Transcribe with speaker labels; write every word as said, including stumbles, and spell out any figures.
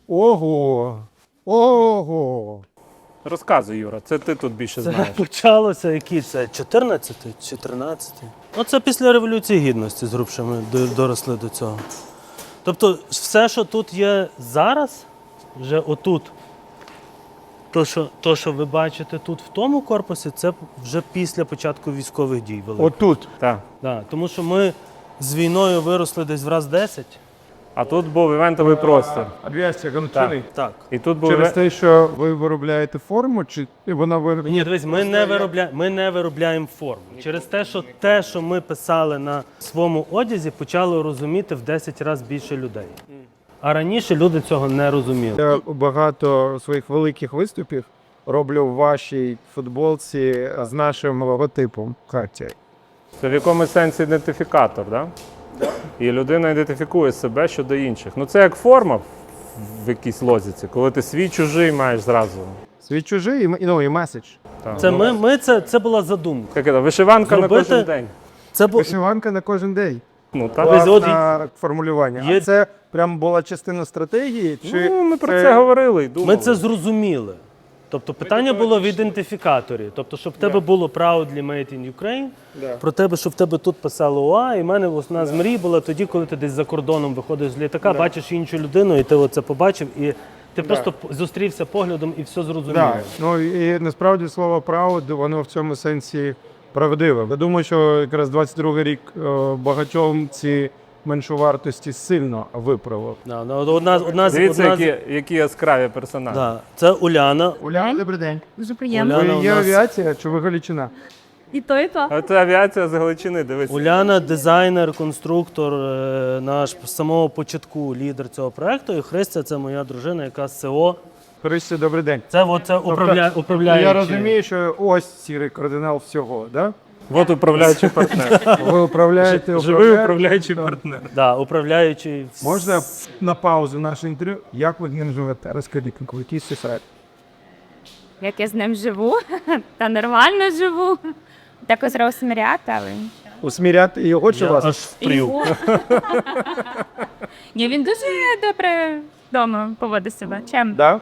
Speaker 1: Ого! Ого!
Speaker 2: Розказуй, Юра, це ти тут більше
Speaker 3: Це
Speaker 2: знаєш.
Speaker 3: почалося, який це, чотирнадцятий чи тринадцятий? Оце після Революції Гідності, зрубше ми до- доросли до цього. Тобто все, що тут є зараз, вже отут, то, що, то, що ви бачите тут в тому корпусі, це вже після початку військових дій великих.
Speaker 1: Отут.
Speaker 2: Так.
Speaker 3: Да, тому що ми з війною виросли десь в раз десять.
Speaker 2: А тут був івентовий простір.
Speaker 1: Авіація Гончини.
Speaker 3: Так.
Speaker 2: І тут був
Speaker 1: Через
Speaker 2: іве-
Speaker 1: те, що ви виробляєте форму, чи вона виробляє?
Speaker 3: Ні, дивись, ми не, виробля... ми не виробляємо форму. Через те, що те, що ми писали на своєму одязі, почало розуміти в десять разів більше людей. А раніше люди цього не розуміли.
Speaker 1: Я багато своїх великих виступів роблю в вашій футболці з нашим логотипом Хартія.
Speaker 2: Це в якомусь сенсі ідентифікатор, так? Да? І людина ідентифікує себе щодо інших. Ну це як форма в якійсь лозіці, коли ти свій чужий маєш зразу.
Speaker 1: Свій чужий і, м- ну, і меседж.
Speaker 2: Так.
Speaker 3: Це, ми, ми, це, це була задумка.
Speaker 2: Як це, вишиванка на
Speaker 3: Зробити-
Speaker 2: кожен день.
Speaker 3: Це бу...
Speaker 1: Вишиванка на кожен день.
Speaker 2: Ну, так.
Speaker 3: Ось от
Speaker 1: Класне формулювання.
Speaker 3: є-
Speaker 1: А це прям була частина стратегії? Чи
Speaker 2: Ну, ми про це говорили і думали.
Speaker 3: Ми це зрозуміли. Тобто питання було в ідентифікаторі. Тобто, щоб в тебе було proudly made in Ukraine, про тебе, щоб в тебе тут писало ОА, і в мене одна з мрій була тоді, коли ти десь за кордоном виходиш з літака, бачиш іншу людину, і ти оце побачив, і ти просто п- зустрівся поглядом і все зрозумів.
Speaker 1: Да. Ну і насправді слово «proud», воно в цьому сенсі правдиве. Я думаю, що якраз двадцять другий рік е, багатьом ці меншовартості сильно виправив.
Speaker 3: Да, ну, одна, одна, з-
Speaker 2: Дивіться,
Speaker 3: одна, з-
Speaker 2: які, які яскраві персонажі.
Speaker 3: да, це Уляна.
Speaker 1: Уля, добрий день.
Speaker 4: Дуже приємно.
Speaker 3: Уляна
Speaker 1: Ви
Speaker 3: у
Speaker 1: є
Speaker 3: нас-
Speaker 1: авіація чи ви Галичина?
Speaker 4: І то, і то.
Speaker 2: А це авіація з Галичини, дивись.
Speaker 3: Уляна дизайнер, конструктор, е, наш з самого початку лідер цього проекту. І Христя це моя дружина, яка з СО.
Speaker 1: Христя, добрий день.
Speaker 3: Це оце управля... управляючий.
Speaker 1: Я розумію, що ось сірий кардинал всього, да?
Speaker 2: От управляючий партнер.
Speaker 1: Ви управляєте
Speaker 2: Живий
Speaker 1: управля-
Speaker 2: управляючий партнер.
Speaker 3: Да, управляючий.
Speaker 1: Можна на паузу наше інтерв'ю? Як ви з ним живете? Розкажіть, який секрет?
Speaker 4: Як я з ним живу, та нормально живу. Так ось розміряти, але...
Speaker 1: Усміряти його чи
Speaker 3: Я
Speaker 1: вас?
Speaker 3: аж впрів.
Speaker 4: Його. Ні, він дуже добре вдома поводить себе. Чим?
Speaker 1: Да?